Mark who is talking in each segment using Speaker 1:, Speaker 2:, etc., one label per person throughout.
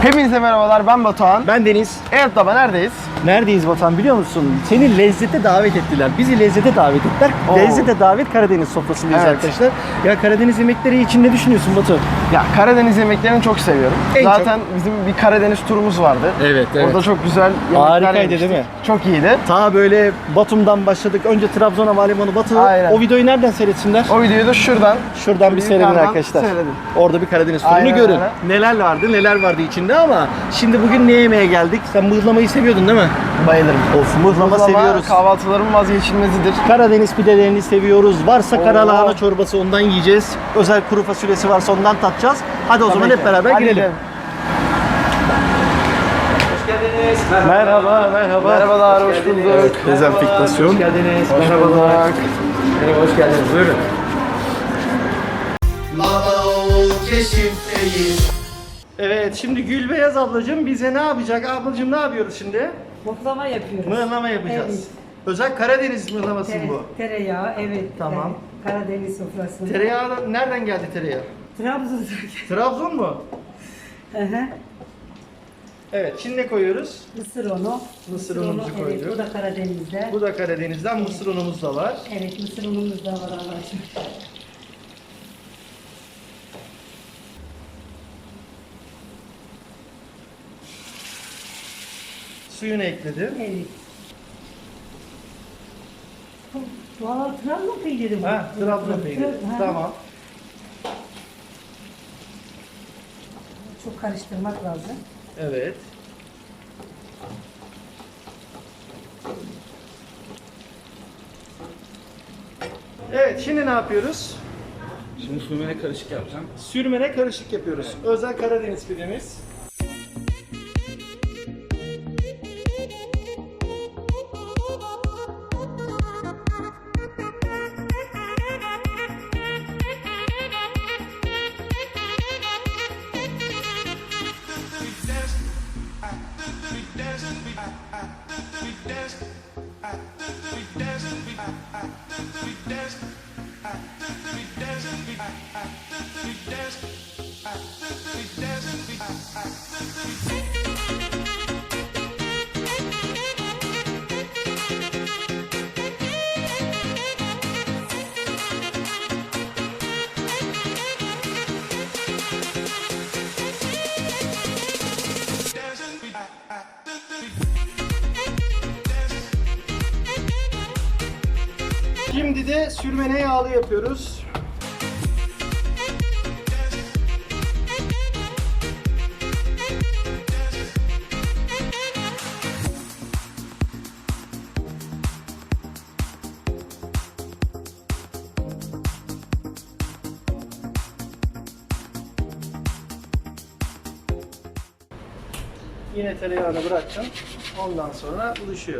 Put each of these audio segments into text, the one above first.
Speaker 1: Hepinize merhabalar, ben Batuhan.
Speaker 2: Ben Deniz.
Speaker 1: Evet baba, neredeyiz?
Speaker 2: Neredeyiz Batuhan biliyor musun? Seni lezzete davet ettiler. Bizi lezzete davet ettiler.
Speaker 1: Oo.
Speaker 2: Lezzete davet Karadeniz sofrasındayız
Speaker 1: Evet.
Speaker 2: arkadaşlar. Ya Karadeniz yemekleri için ne düşünüyorsun Batu?
Speaker 1: Ya Karadeniz yemeklerini çok seviyorum.
Speaker 2: En
Speaker 1: Zaten bizim bir Karadeniz turumuz vardı.
Speaker 2: Evet, evet.
Speaker 1: Orada çok güzel yemekler
Speaker 2: Harikaydı
Speaker 1: yemiştik.
Speaker 2: değil mi?
Speaker 1: Çok iyiydi.
Speaker 2: Ta böyle Batum'dan başladık. Önce Trabzon Havalimanı Batı.
Speaker 1: Aynen.
Speaker 2: O videoyu nereden seyretsinler?
Speaker 1: O videoyu da şuradan
Speaker 2: Şuradan bir seyredin
Speaker 1: yukarıdan
Speaker 2: arkadaşlar.
Speaker 1: seyredin.
Speaker 2: Orada bir Karadeniz turunu
Speaker 1: Aynen
Speaker 2: görün.
Speaker 1: öyle.
Speaker 2: Neler vardı içinde ama şimdi bugün ne yemeye geldik? Sen mıhlamayı seviyordun değil mi?
Speaker 1: Bayılırım.
Speaker 2: Of, mıhlama seviyoruz.
Speaker 1: Kahvaltıların vazgeçilmezidir.
Speaker 2: Karadeniz pidelerini seviyoruz. Varsa
Speaker 1: Oo.
Speaker 2: karalahana çorbası ondan yiyeceğiz. Özel kuru fasulyesi varsa ondan tatacağız. Hadi o zaman
Speaker 1: Tabii
Speaker 2: hep
Speaker 1: ki.
Speaker 2: beraber
Speaker 1: Hadi
Speaker 2: girelim.
Speaker 1: gidelim.
Speaker 2: Merhaba.
Speaker 1: Merhabalar, hoş bulduk.
Speaker 2: Dezenfektasyon.
Speaker 1: Hoş geldiniz. Merhabalar.
Speaker 2: Merhaba, hoş geldiniz. Buyurun. Evet, şimdi Gülbeyaz ablacığım bize ne yapacak? Ablacığım ne yapıyoruz şimdi?
Speaker 3: Mıhlama yapıyoruz.
Speaker 2: Mıhlama yapacağız.
Speaker 3: Evet.
Speaker 2: Özel Karadeniz mıhlaması mı bu?
Speaker 3: Tereyağı, evet.
Speaker 2: Tamam.
Speaker 3: Karadeniz sofrası.
Speaker 2: Tereyağı da nereden geldi tereyağı?
Speaker 3: Trabzon'da.
Speaker 2: Trabzon mu?
Speaker 3: Hı hı.
Speaker 2: Evet, şimdi ne koyuyoruz?
Speaker 3: Mısır unu.
Speaker 2: Mısır unumuzu
Speaker 3: Evet,
Speaker 2: koyduk.
Speaker 3: bu da Karadeniz'de.
Speaker 2: Bu da Karadeniz'den mısır unumuz da var.
Speaker 3: Evet, mısır unumuz da var arkadaşlar.
Speaker 2: Suyunu ekledim.
Speaker 3: Evet. Valla Trabzon peyniri bu.
Speaker 2: Ha, Trabzon peyniri.
Speaker 3: Ha.
Speaker 2: Tamam.
Speaker 3: Çok karıştırmak lazım.
Speaker 2: Evet. Evet, şimdi ne yapıyoruz?
Speaker 4: Şimdi sürmene karışık yapacağım.
Speaker 2: Sürmene karışık yapıyoruz. Özel Karadeniz pidemiz. Şimdi de sürmene yağlı yapıyoruz. Yine tereyağını bıraktım. Ondan sonra buluşuyor.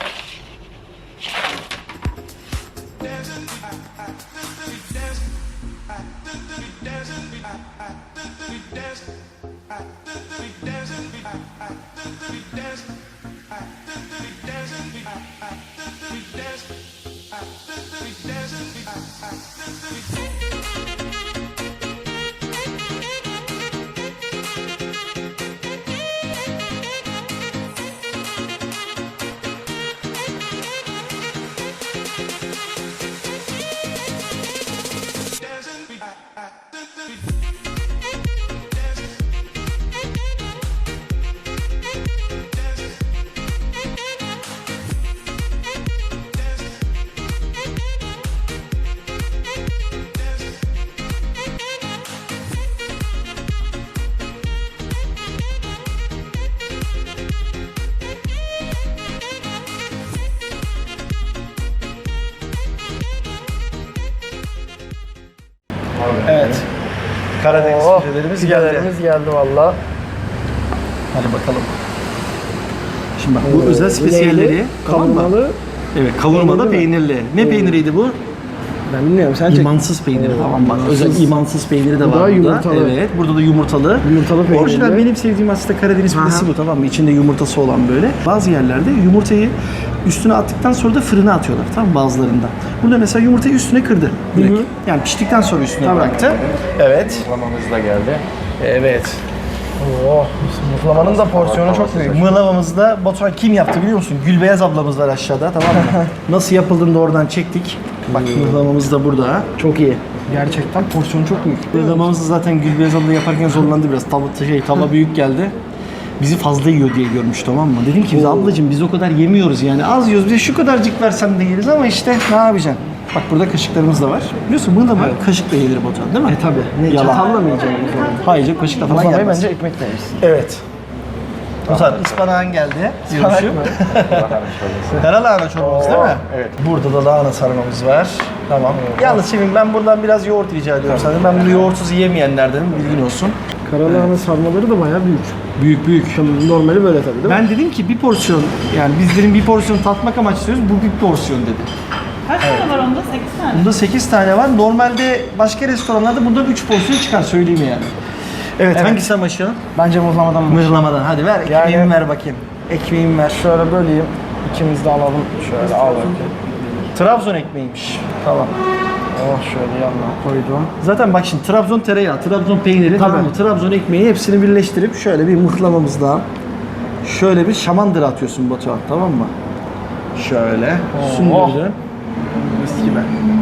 Speaker 2: Evet. Karadeniz pidelerimiz geldi.
Speaker 1: Pidelerimiz geldi valla.
Speaker 2: Hadi bakalım. Şimdi bak bu özel spesiyalleri tamam mı?
Speaker 1: Kavurmalı.
Speaker 2: Evet, kavurmalı peynirli. Ne peyniriydi bu?
Speaker 1: Ben bilmiyorum, sen çek.
Speaker 2: İmansız peyniri.
Speaker 1: Oo,
Speaker 2: Tamam bak.
Speaker 1: imansız.
Speaker 2: Özel imansız peyniri de
Speaker 1: Bu
Speaker 2: var
Speaker 1: da
Speaker 2: burada.
Speaker 1: yumurtalı.
Speaker 2: Evet. Burada da yumurtalı.
Speaker 1: Yumurtalı peynirli.
Speaker 2: Orijinal benim sevdiğim aslında Karadeniz pidesi
Speaker 1: Aha.
Speaker 2: bu, tamam mı? İçinde yumurtası olan böyle. Bazı yerlerde yumurtayı üstüne attıktan sonra da fırına atıyorlar, tamam mı, bazılarında. Burada mesela yumurtayı üstüne kırdı direkt. Yani piştikten sonra üstüne bıraktı. Evet.
Speaker 4: Mıhlamamız da geldi.
Speaker 2: Evet.
Speaker 1: Oh, Mıhlamanın da porsiyonu çok büyük.
Speaker 2: Mığlamamızda Batuhan kim yaptı biliyor musun? Gülbeyaz ablamız var aşağıda, tamam mı? Nasıl yapıldığını da oradan çektik. Bak mıhlamamız da burada.
Speaker 1: Çok iyi. Gerçekten porsiyonu çok büyük.
Speaker 2: Mıhlamamızı zaten Gülbeyaz abla yaparken zorlandı biraz. Tava büyük geldi. Bizi fazla yiyor diye görmüş, tamam mı? Dedim ki biz ablacığım biz o kadar yemiyoruz yani. Az yiyoruz, bize şu kadarcık versen de yeriz ama işte ne yapacaksın? Bak burada kaşıklarımız da var. Biliyorsun mıhlama kaşıkla yenir Batuhan değil mi?
Speaker 1: Tabii.
Speaker 2: Yalan.
Speaker 1: Çatalla mı yiyeceksin?
Speaker 2: Hayır canım, kaşıkla falan
Speaker 1: Mıhlamayı
Speaker 2: yenmez.
Speaker 1: bence ekmekle yersin.
Speaker 2: Evet. Batuhan ıspanağın geldi. Diyormuşum. Kara lahana çorbamız değil mi?
Speaker 1: Evet.
Speaker 2: Burada da lahana sarmamız var. Tamam. Yalnız şimdi ben buradan biraz yoğurt rica ediyorum sana. Ben bunu yoğurtsuz yiyemeyenlerdenim, bilgin olsun.
Speaker 1: Karalahana sarmaları da bayağı büyük.
Speaker 2: Büyük büyük.
Speaker 1: Normali böyle tabii değil mi?
Speaker 2: Ben dedim ki bir porsiyon, yani biz dedim bir porsiyon tatmak amaçlıyoruz, bu bir porsiyon dedi.
Speaker 3: Kaç tane var onda? 8 tane.
Speaker 2: Bunda 8 tane var. Normalde başka restoranlarda bundan 3 porsiyon çıkar, söyleyeyim yani. Evet, hangisi başlayalım?
Speaker 1: Bence mıhlamadan
Speaker 2: Mıhlamadan. Hadi ver, ekmeğimi
Speaker 1: Yani-
Speaker 2: ver bakayım. Ekmeğimi ver.
Speaker 1: Şöyle böleyim. İkimiz de alalım. Şöyle al bakayım.
Speaker 2: Trabzon ekmeğiymiş. Tamam.
Speaker 1: Oh şöyle yanına koydum.
Speaker 2: Zaten bak şimdi Trabzon tereyağı, Trabzon peyniri, tamam mı? Trabzon ekmeği hepsini birleştirip şöyle bir mıhlamamızdan şöyle bir şamandıra atıyorsun Batuhan, tamam mı? Şöyle sündürdün. Mis gibi.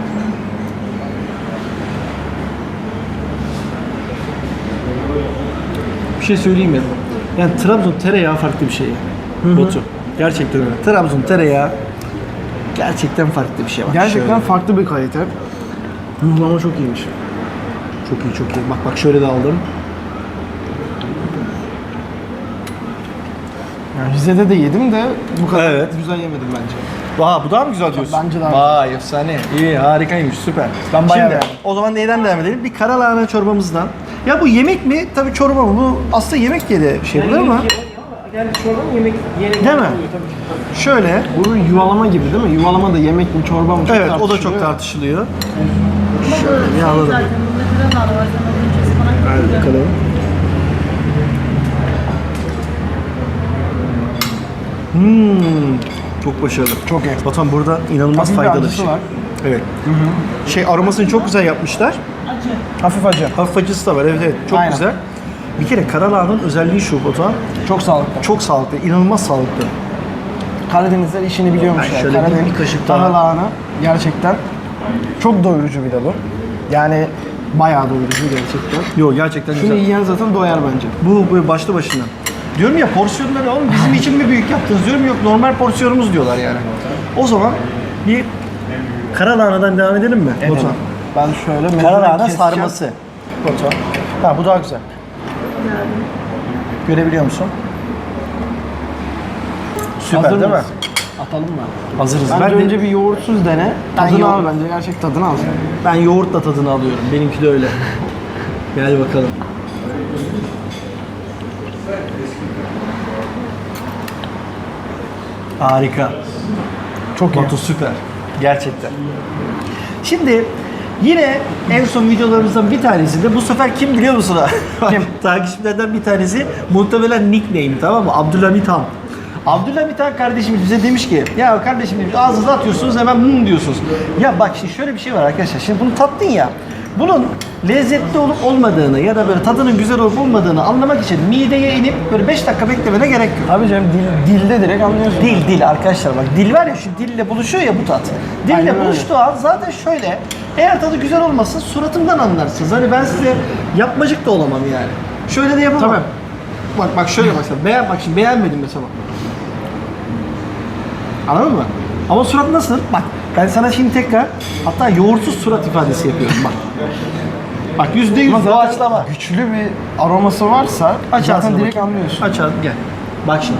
Speaker 2: Bir şey söyleyeyim mi? Yani Trabzon tereyağı farklı bir şey. Batu. Gerçekten öyle. Trabzon tereyağı gerçekten farklı bir şey var.
Speaker 1: Gerçekten
Speaker 2: Şöyle.
Speaker 1: farklı bir kalite. Mıhlama çok iyiymiş.
Speaker 2: Çok iyi, çok iyi. Bak şöyle de aldım.
Speaker 1: Yani Rize'de de yedim de bu kadar
Speaker 2: Evet.
Speaker 1: güzel yemedim bence.
Speaker 2: Vay, bu daha mı güzel diyorsun?
Speaker 1: Bence daha
Speaker 2: Vay efsane. İyi, harikaymış, süper.
Speaker 1: Ben bayağı
Speaker 2: Şimdi
Speaker 1: beğendim.
Speaker 2: o zaman neyden devam edelim? Bir kara lahana çorbamızdan. Ya bu yemek mi? Tabii çorba mı? Bu aslında yemek diye de şey bu ama.
Speaker 1: Yani çorba mı yemek
Speaker 2: Değil mi? Şöyle.
Speaker 1: Bu yuvalama gibi değil mi? Yuvalama da yemek mi çorba mı? Çok
Speaker 2: Evet, o da çok
Speaker 1: tartışılıyor.
Speaker 2: tartışılıyor. Şöyle bir alalım.
Speaker 3: Zaten bunda kral var. Sen az önce ıspanak
Speaker 2: Hadi bakalım. Çok başarılı.
Speaker 1: Çok iyi.
Speaker 2: Batuhan burada inanılmaz
Speaker 1: Hafif bir
Speaker 2: faydalı bir
Speaker 1: acısı
Speaker 2: şey.
Speaker 1: var.
Speaker 2: Evet. Şey aromasını çok güzel yapmışlar.
Speaker 3: acı.
Speaker 1: Hafif acı.
Speaker 2: Hafif acısı da var, evet evet, çok
Speaker 1: Aynen.
Speaker 2: güzel. Bir kere kara lahananın özelliği şu Batuhan,
Speaker 1: Çok sağlıklı.
Speaker 2: çok sağlıklı, inanılmaz sağlıklı.
Speaker 1: Karadenizler işini biliyormuş
Speaker 2: Ay,
Speaker 1: yani.
Speaker 2: şöyle bir kaşık daha.
Speaker 1: Karalahana gerçekten çok doyurucu bir de bu. Yani bayağı doyurucu gerçekten.
Speaker 2: Yok gerçekten
Speaker 1: Şunu
Speaker 2: güzel.
Speaker 1: yiyen zaten doyar bence.
Speaker 2: Bu başlı başına. Diyorum ya porsiyonları oğlum bizim için mi büyük yaptınız diyorum, yok normal porsiyonumuz diyorlar yani. O zaman bir kara lahanadan devam edelim mi Batuhan?
Speaker 1: Ben şöyle
Speaker 2: Kara
Speaker 1: mezene
Speaker 2: lahana
Speaker 1: keseceğim.
Speaker 2: sarması. Batuhan. Ha bu daha güzel. Görebiliyor musun? Süper
Speaker 1: Hazır
Speaker 2: değil mi?
Speaker 1: mıyız? Atalım mı?
Speaker 2: Hazırız.
Speaker 1: Bence
Speaker 2: Ben de-
Speaker 1: önce bir yoğurtsuz dene.
Speaker 2: Ben
Speaker 1: Tadını
Speaker 2: yoğurt-
Speaker 1: al bence. Gerçek tadını al.
Speaker 2: Ben yoğurtla tadını alıyorum. Benimki de öyle. Gel bakalım. Harika.
Speaker 1: Çok iyi.
Speaker 2: Batu süper. Gerçekten. Şimdi yine en son videolarımızdan bir tanesinde bu sefer kim biliyor musun? Kim? Takipçilerden bir tanesi muhtemelen nickname, tamam mı? Abdülhamit Han. Abdülhamit Han kardeşimiz bize demiş ki ya kardeşim demiş, ağzınıza atıyorsunuz hemen diyorsunuz. Ya bak şimdi şöyle bir şey var arkadaşlar. Şimdi bunu tattın ya. Bunun lezzetli olup olmadığını ya da böyle tadının güzel olup olmadığını anlamak için mideye inip böyle 5 dakika beklemene gerek yok.
Speaker 1: Tabii canım dilde direkt anlıyorsun.
Speaker 2: Dil arkadaşlar, bak dil var ya, şu dille buluşuyor ya bu tat. Dille
Speaker 1: Aynen öyle.
Speaker 2: buluştuğu an zaten şöyle, eğer tadı güzel olmasa suratımdan anlarsınız. Hani ben size yapmacık da olamam yani. Şöyle de yapamam.
Speaker 1: Tabii.
Speaker 2: Bak şöyle mesela bak şimdi beğenmedim mesela. Anladın mı? Ama surat nasıl? Bak ben sana şimdi tekrar hatta yoğurtsuz surat ifadesi yapıyorum bak. Bak %100
Speaker 1: Ama zaten
Speaker 2: doğaçlama.
Speaker 1: güçlü bir aroması varsa
Speaker 2: Aç
Speaker 1: zaten
Speaker 2: ağzını
Speaker 1: direkt
Speaker 2: bakayım.
Speaker 1: anlıyorsun.
Speaker 2: Aç ağzını gel. Bak şimdi.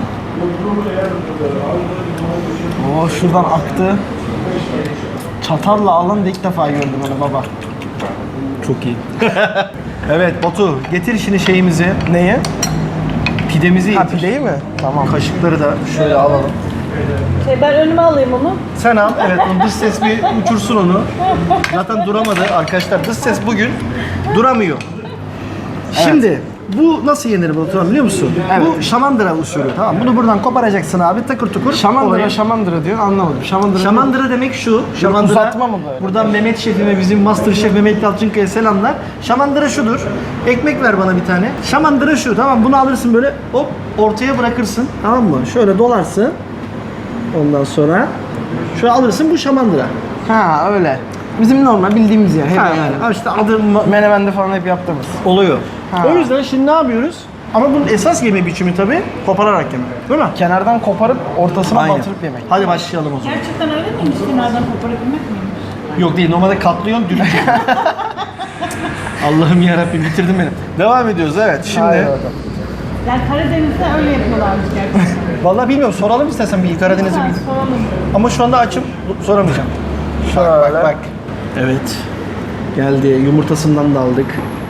Speaker 1: Oo şuradan aktı. Çatalla alan da ilk defa gördüm onu baba.
Speaker 2: Çok iyi. Evet Batu, getir şimdi şeyimizi.
Speaker 1: Neyi?
Speaker 2: Pidemizi
Speaker 1: Ha
Speaker 2: getir.
Speaker 1: pideyi mi? Tamam.
Speaker 2: Kaşıkları da şöyle alalım.
Speaker 3: Ben önüme alayım onu.
Speaker 2: Sen al, evet, dış ses bir uçursun onu. Zaten duramadı arkadaşlar. Dış ses bugün duramıyor. Şimdi Bu nasıl yenir Batuhan biliyor musun?
Speaker 1: Evet.
Speaker 2: Bu şamandıra usulü tamam. Bunu buradan koparacaksın abi takır tukur.
Speaker 1: Şamandıra şamandıra diyor anlamadım. Şamandıra.
Speaker 2: Şamandıra demek şu. Şamandıra,
Speaker 1: uzatma mı böyle?
Speaker 2: Buradan Mehmet Şef'ime, bizim Master Şef Mehmet Yalçınkaya selamlar. Şamandıra şudur. Ekmek ver bana bir tane. Şamandıra şu tamam. Bunu alırsın böyle hop ortaya bırakırsın. Tamam mı? Şöyle dolarsın. Ondan sonra şöyle alırsın bu şamandıra.
Speaker 1: Ha öyle. Bizim normal bildiğimiz yer. Hep
Speaker 2: Ha,
Speaker 1: yani.
Speaker 2: yani işte adı
Speaker 1: Menemen'de falan hep yaptığımız.
Speaker 2: oluyor.
Speaker 1: Ha.
Speaker 2: O yüzden şimdi ne yapıyoruz? Ama bunun esas yeme biçimi tabii kopararak yemek. Değil mi?
Speaker 1: Kenardan koparıp ortasına
Speaker 2: Aynen.
Speaker 1: batırıp yemek.
Speaker 2: Hadi başlayalım o zaman.
Speaker 3: Gerçekten öyle miymiş? Kenardan koparabilmek miymiş?
Speaker 2: Yok değil, normalde katlıyorsun, dürüst. Allah'ım yarabbim bitirdin beni. Devam ediyoruz evet. Şimdi
Speaker 1: Haydi bakalım.
Speaker 3: Yani Karadeniz'de öyle yapıyorlarmış gerçekten.
Speaker 2: vallahi bilmiyorum soralım istersen bir Karadeniz'e
Speaker 3: Ha,
Speaker 2: bir.
Speaker 3: soralım.
Speaker 2: Ama şu anda açım soramayacağım.
Speaker 1: Şöyle.
Speaker 2: Bak. Evet. Geldi. Yumurtasından da aldık.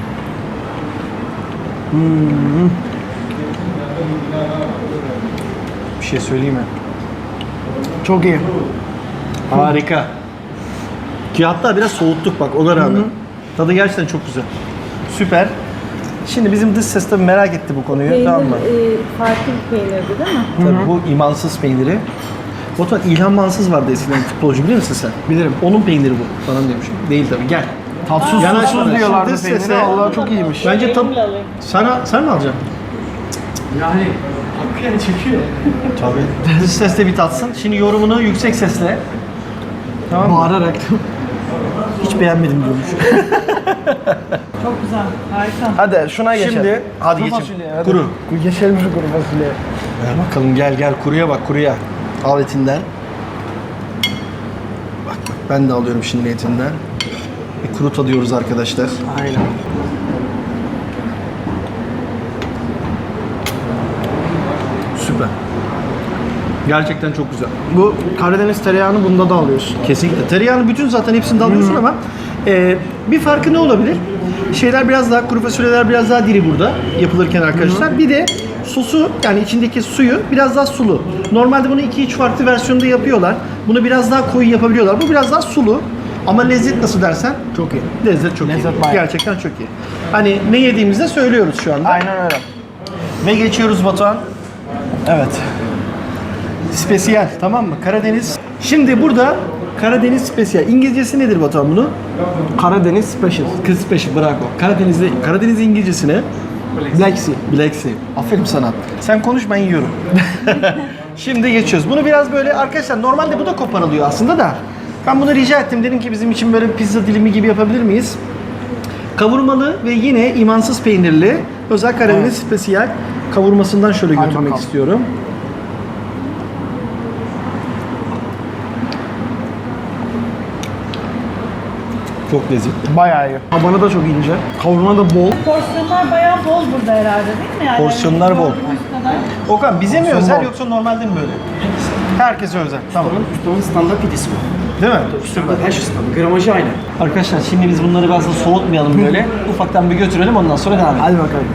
Speaker 2: Bir şey söyleyeyim mi?
Speaker 1: Çok iyi.
Speaker 2: Harika. Ki hatta biraz soğuttuk bak ona rağmen. Tadı gerçekten çok güzel. Süper. Şimdi bizim dış ses tabii merak etti bu konuyu.
Speaker 3: Peynir
Speaker 2: Tamam mı?
Speaker 3: farklı bir peynirdi değil mi?
Speaker 2: Tabii bu imansız peyniri. Batuhan İlhan Mansız vardı eskiden futbolcu bilir misin sen?
Speaker 1: Bilirim.
Speaker 2: Onun peyniri bu falan demişim. Değil tabii gel.
Speaker 1: Tatsız
Speaker 2: Yanaş
Speaker 1: susuz
Speaker 2: bana.
Speaker 1: diyorlardı
Speaker 2: Dış
Speaker 1: peynire.
Speaker 2: sese-
Speaker 1: Allah çok iyiymiş.
Speaker 2: Bence
Speaker 3: Elimle alayım.
Speaker 2: sen mi alacaksın?
Speaker 4: Yani hakikaten çekiyor.
Speaker 2: Tabii. Dış sesle bir tatsın. Şimdi yorumunu yüksek sesle. Tamam mı?
Speaker 1: Bağırarak.
Speaker 2: Hiç beğenmedim diyormuş.
Speaker 3: Çok güzel. Harika.
Speaker 1: Hadi şuna geçelim.
Speaker 2: Şimdi hadi
Speaker 1: Kuru
Speaker 2: geçelim.
Speaker 1: fasulye, hadi.
Speaker 2: Kuru.
Speaker 1: Geçelim şu kuru fasulyeye.
Speaker 2: Ver bakalım gel kuruya bak kuruya. Al etinden. Bak ben de alıyorum şimdi etinden. Bir kuru tadıyoruz arkadaşlar.
Speaker 1: Aynen.
Speaker 2: Süper. Gerçekten çok güzel.
Speaker 1: Bu Karadeniz tereyağını bunda da alıyorsun.
Speaker 2: Kesinlikle. Tereyağını bütün zaten hepsini de alıyorsun ama bir farkı ne olabilir? Şeyler biraz daha, kuru fasulyeler biraz daha diri burada yapılırken arkadaşlar. Bir de sosu yani içindeki suyu biraz daha sulu. Normalde bunu 2-3 farklı versiyonda yapıyorlar. Bunu biraz daha koyu yapabiliyorlar. Bu biraz daha sulu. Ama lezzet nasıl dersen?
Speaker 1: Çok iyi.
Speaker 2: Lezzet çok
Speaker 1: Lezzet
Speaker 2: iyi.
Speaker 1: bayağı.
Speaker 2: Gerçekten çok iyi. Hani ne yediğimizde söylüyoruz şu anda.
Speaker 1: Aynen öyle.
Speaker 2: Ve geçiyoruz Batuhan. Evet. Spesiyel tamam mı? Karadeniz. Şimdi burada Karadeniz spesiyel. İngilizcesi nedir Batuhan bunu?
Speaker 1: Karadeniz Special.
Speaker 2: Kız special bravo. Karadeniz İngilizcesine
Speaker 1: Black Sea.
Speaker 2: Black Sea. Aferin sana. Sen konuş ben yiyorum. Şimdi geçiyoruz. Bunu biraz böyle arkadaşlar normalde bu da koparılıyor aslında da. Ben bunu rica ettim. Dedim ki bizim için böyle bir pizza dilimi gibi yapabilir miyiz? Kavurmalı ve yine imansız peynirli özel Karadeniz spesiyel kavurmasından şöyle
Speaker 1: Hadi
Speaker 2: götürmek
Speaker 1: bakalım.
Speaker 2: istiyorum. Çok lezzetli.
Speaker 1: Bayağı iyi. Tabanı da çok ince. Kavurma da bol.
Speaker 3: Porsiyonlar bayağı bol burada herhalde değil mi? Yani
Speaker 2: Porsiyonlar bol.
Speaker 3: gördüğümüz kadar.
Speaker 2: Okan bize mi
Speaker 1: Porsiyon
Speaker 2: özel
Speaker 1: bol.
Speaker 2: yoksa normalde mi böyle? Herkese özel. Tamam.
Speaker 4: Ustamın standart pidesi bu.
Speaker 2: Değil mi?
Speaker 4: Standart her şey standart. Gramajı aynı.
Speaker 2: Arkadaşlar şimdi biz bunları biraz da soğutmayalım böyle. Ufaktan bir götürelim ondan sonra devam edelim.
Speaker 1: Hadi bakalım.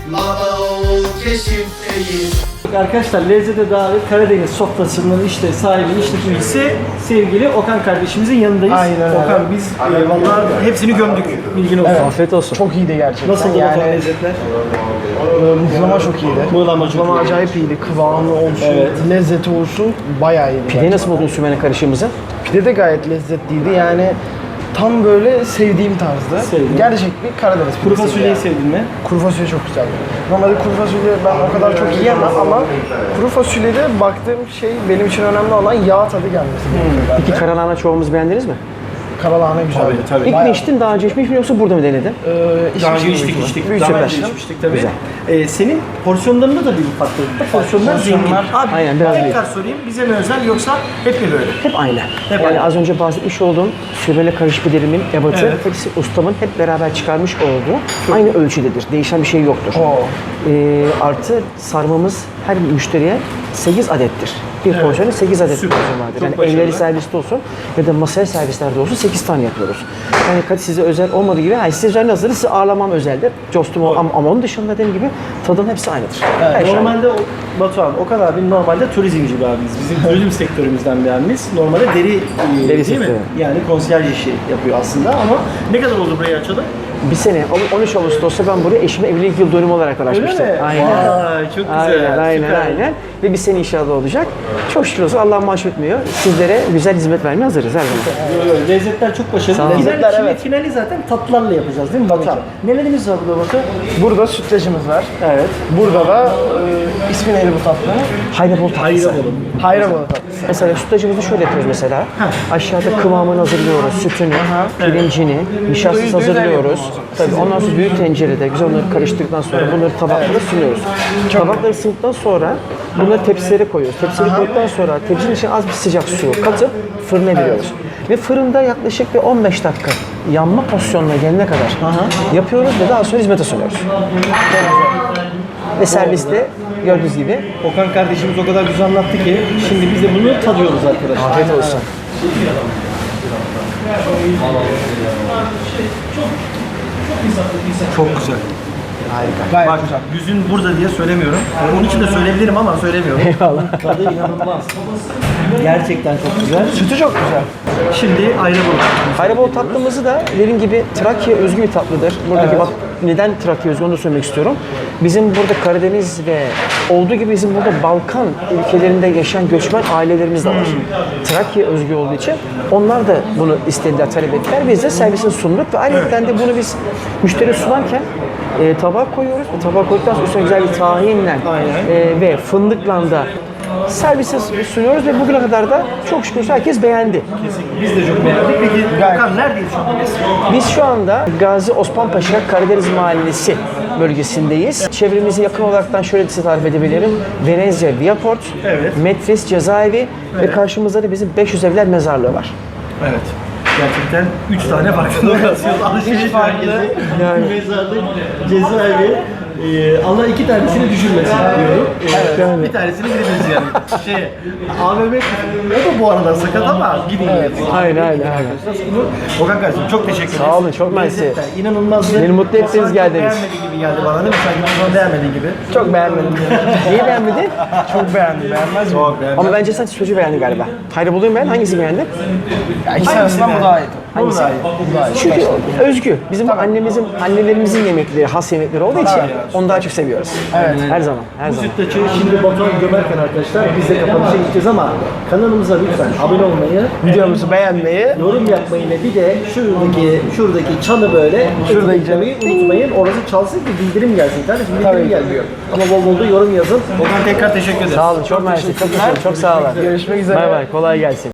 Speaker 2: Arkadaşlar lezzete dair Karadeniz sofrasının işte sahibi, işletmecisi sevgili Okan kardeşimizin yanındayız.
Speaker 1: Aynen öyle.
Speaker 2: Okan biz vallahi hepsini gömdük. Bilgin olsun.
Speaker 1: Afiyet olsun. Çok iyiydi gerçekten.
Speaker 2: Nasıl
Speaker 1: yani,
Speaker 2: lezzetler?
Speaker 1: Mıhlama çok iyiydi.
Speaker 2: Mıhlama çok
Speaker 1: Mıhlama
Speaker 2: iyi.
Speaker 1: acayip iyiydi. Kıvamı olsun,
Speaker 2: Evet.
Speaker 1: lezzeti olsun bayağı iyiydi.
Speaker 5: Pideyi nasıl buldun Sümeyne karışığımızı?
Speaker 1: Pide de gayet lezzetliydi. Yani tam böyle sevdiğim tarzda.
Speaker 2: Sevdim.
Speaker 1: Gerçek bir Karadeniz
Speaker 2: Kuru
Speaker 1: pidesi
Speaker 2: fasulyeyi
Speaker 1: yani.
Speaker 2: sevdin mi?
Speaker 1: Kuru fasulye çok güzeldi. Normalde kuru fasulye ben o kadar çok yiyemem ama kuru fasulyede baktığım şey benim için önemli olan yağ tadı gelmesi.
Speaker 5: Peki karalahana çoğumuz beğendiniz mi?
Speaker 1: Karalahane güzeldi.
Speaker 2: tabii.
Speaker 5: İlk mi içtin, daha önce içmiş mi yoksa burada mı denedin?
Speaker 2: Daha önce
Speaker 1: içmiştim büyük
Speaker 2: içtik.
Speaker 1: ihtimal.
Speaker 2: Daha
Speaker 5: Süper.
Speaker 2: önce içmiştik tabii.
Speaker 5: Güzel.
Speaker 2: Senin porsiyonlarında da bir farklılık var. Porsiyonlar zengin. Abi
Speaker 5: Aynen, biraz
Speaker 2: tekrar sorayım. Bize mi özel yoksa hep mi böyle?
Speaker 5: Hep aynı.
Speaker 2: Hep
Speaker 5: yani
Speaker 2: aynı.
Speaker 5: az önce bahsetmiş olduğum Sümeyne karışık piderimin ebatı,
Speaker 2: Evet.
Speaker 5: hepsi ustamın hep beraber çıkarmış olduğu aynı ölçüdedir. Değişen bir şey yoktur.
Speaker 1: Oo.
Speaker 5: Artı sarmamız her müşteriye 8 adettir. Bir porsiyonu 8 adet
Speaker 2: Süper.
Speaker 5: porsiyon vardır.
Speaker 2: Çok
Speaker 5: Yani
Speaker 2: başarılı.
Speaker 5: evleri serviste olsun ya da masaya servislerde olsun 8 tane yapıyoruz. Yani size özel olmadığı gibi, yani size özel hazırı size ağırlamam özeldir. Costum ama onun dışında dediğim gibi tadın hepsi aynıdır. Her şey aynı.
Speaker 2: Normalde Batuhan, Okan abi normalde turizmci bir abimiz. Bizim turizm sektörümüzden bir abimiz. Normalde deri değil mi?
Speaker 5: sektörü.
Speaker 2: Yani konsiyerj işi yapıyor aslında ama ne kadar oldu burayı açalı?
Speaker 5: bir sene 13 Ağustos'ta ben buraya eşime evlilik yıl dönümü olarak açmıştım.
Speaker 2: mi?
Speaker 5: Aynen.
Speaker 2: Vay, çok güzel.
Speaker 5: Aynen,
Speaker 2: Süper.
Speaker 5: aynen. Ve bir sene inşallah olacak. Çok şükür olsun Allah maaş etmiyor. Sizlere güzel hizmet vermeye hazırız her zaman.
Speaker 2: Lezzetler çok başarılı.
Speaker 5: Sağ olun.
Speaker 1: Lezzetler, evet.
Speaker 2: Finali zaten tatlılarla yapacağız değil mi Batu? Nelerimiz var burada Batu?
Speaker 1: Burada sütlacımız var.
Speaker 2: Evet.
Speaker 1: Burada da ismi neydi bu tatlının?
Speaker 5: Hayrabol tatlısı.
Speaker 1: Hayrabalı tatlısı.
Speaker 5: Mesela sütlacımızı şöyle yapıyoruz mesela. Aşağıda kıvamını hazırlıyoruz, sütünü, pirincini, nişastası hazırlıyoruz. Tabii ondan sonra büyük tencerede güzel onları karıştırdıktan sonra bunları tabaklara sunuyoruz. Tabakları ısındıktan sonra bunları tepsilere koyuyoruz. Tepsileri koyduktan sonra tepsinin içine az bir sıcak su katıp fırına veriyoruz. Ve fırında yaklaşık bir 15 dakika yanma pozisyonuna gelene kadar yapıyoruz ve daha sonra hizmete sunuyoruz. Ve serviste gördüğünüz gibi
Speaker 2: Okan kardeşimiz o kadar güzel anlattı ki şimdi biz de bunu tadıyoruz arkadaşlar.
Speaker 5: afiyet olsun.
Speaker 2: Çok güzel.
Speaker 1: Gayet
Speaker 2: Bak
Speaker 1: güzel.
Speaker 2: yüzün burada diye söylemiyorum. Onun için de söyleyebilirim ama söylemiyorum.
Speaker 5: Eyvallah.
Speaker 2: Tadı inanılmaz. Gerçekten çok güzel.
Speaker 1: Sütü çok güzel.
Speaker 2: Şimdi ayrı bulduk.
Speaker 5: Hayrabol tatlımızı da dediğim gibi Trakya özgü bir tatlıdır. Buradaki bak neden Trakya özgü onu da söylemek istiyorum. Bizim burada Karadeniz ve olduğu gibi bizim burada Balkan ülkelerinde yaşayan göçmen ailelerimiz de var. Trakya özgü olduğu için onlar da bunu istediler, talep ettiler. Biz de servisini sunduk ve ayrıca de bunu biz müşteriye sunarken tabağa koyuyoruz. Tabağa koyduktan sonra üstüne güzel bir tahinle ve fındıkla da servise sunuyoruz ve bugüne kadar da çok şükür herkes beğendi.
Speaker 2: Biz de çok beğendik. Peki Okan neredeyiz şu an biz?
Speaker 5: Biz şu anda Gazi Osman Paşa Karadeniz Mahallesi bölgesindeyiz. Çevremize yakın olaraktan şöyle size tarif edebilirim. Venezia Viaport,
Speaker 2: Evet.
Speaker 5: Metris Cezaevi ve karşımızda da bizim 500 evler mezarlığı var.
Speaker 2: Evet. Gerçekten 3 tane farklı lokasyon. Alışveriş merkezi,
Speaker 5: Yani.
Speaker 2: mezarlık, cezaevi. Allah 2 tanesini düşürmesin diyorum.
Speaker 5: yani.
Speaker 2: Bir tanesini gideceğiz yani. AVM o da bu arada sakat ama gidin.
Speaker 5: Aynen.
Speaker 2: Okan kardeşim çok teşekkür ederiz.
Speaker 5: Sağ olun, çok mersi.
Speaker 2: Lezzetler İnanılmazdı.
Speaker 5: Beni mutlu ettiniz,
Speaker 2: Okan
Speaker 5: geldiniz.
Speaker 2: beğenmediği gibi geldi bana değil mi? Sanki bunu beğenmediği gibi.
Speaker 1: Çok beğenmedim.
Speaker 5: Neyi beğenmedin?
Speaker 1: Çok beğendim. Beğenmez mi?
Speaker 2: Çok beğendim.
Speaker 5: Ama bence sen çocuğu beğendin galiba. Hayrabolu'yu beğendin, hangisi beğendin?
Speaker 1: Ya ikisi arasından bu daha iyi.
Speaker 2: Bu da iyi.
Speaker 1: Bu daha iyi.
Speaker 5: Çünkü özgü. Bizim bu annelerimizin yemekleri, has yemekleri olduğu için onu daha çok seviyoruz. Evet. Her zaman, her
Speaker 2: Bu
Speaker 5: zaman.
Speaker 2: sütlaçı şimdi Batuhan gömerken arkadaşlar biz de kapanışa gideceğiz ama kanalımıza lütfen abone olmayı,
Speaker 1: Videomuzu beğenmeyi,
Speaker 2: yorum yapmayı ve bir de şuradaki çanı böyle şurada izlemeyi unutmayın. Orası çalsın ki bildirim gelsin. Kardeşim bildirim gelmiyor. Ama bol bol da yorum yazın. Okan tekrar teşekkür ederiz.
Speaker 5: Sağ olun, çok mersi. Çok teşekkür ederim. Çok sağ olun.
Speaker 1: görüşmek üzere.
Speaker 5: Bay bay, kolay gelsin.